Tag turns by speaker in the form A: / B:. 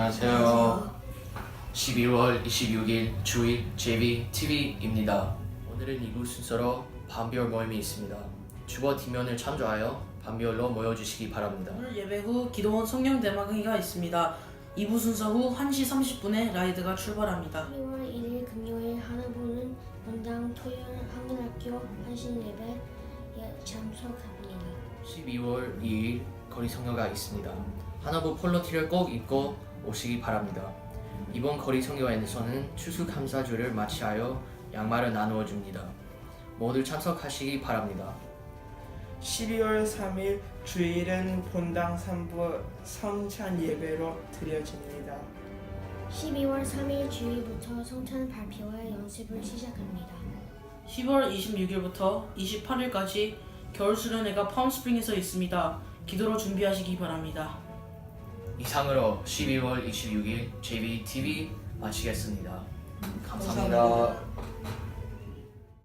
A: 안녕하세요. 12월 26일 주일 JVTV입니다. 오늘은 이부 순서로 반비월 모임이 있습니다. 주보 뒷면을 참조하여 반비월로 모여주시기 바랍니다.
B: 오늘 예배 후 기도원 성령 대마강의가 있습니다. 2부 순서 후 1시 30분에 라이드가 출발합니다.
C: 12월 1일 금요일 하나보는 본당 토요일 한글학교 한신 예배에 참석합니다.
A: 12월 2일 거리 성교가 있습니다. 하나부 폴로티를 꼭 입고 오시기 바랍니다. 이번 거리 성교회에서는 추수감사주를 마치하여 양말을 나누어 줍니다. 모두 참석하시기 바랍니다.
D: 12월 3일 주일은 본당 3부 성찬 예배로 드려집니다.
C: 12월 3일 주일부터 성찬 발표회 연습을 시작합니다.
B: 10월 26일부터 28일까지 겨울 수련회가 팜스프링에서 있습니다. 기도로 준비하시기 바랍니다.
A: 이상으로 12월 26일 JVTV 마치겠습니다. 감사합니다.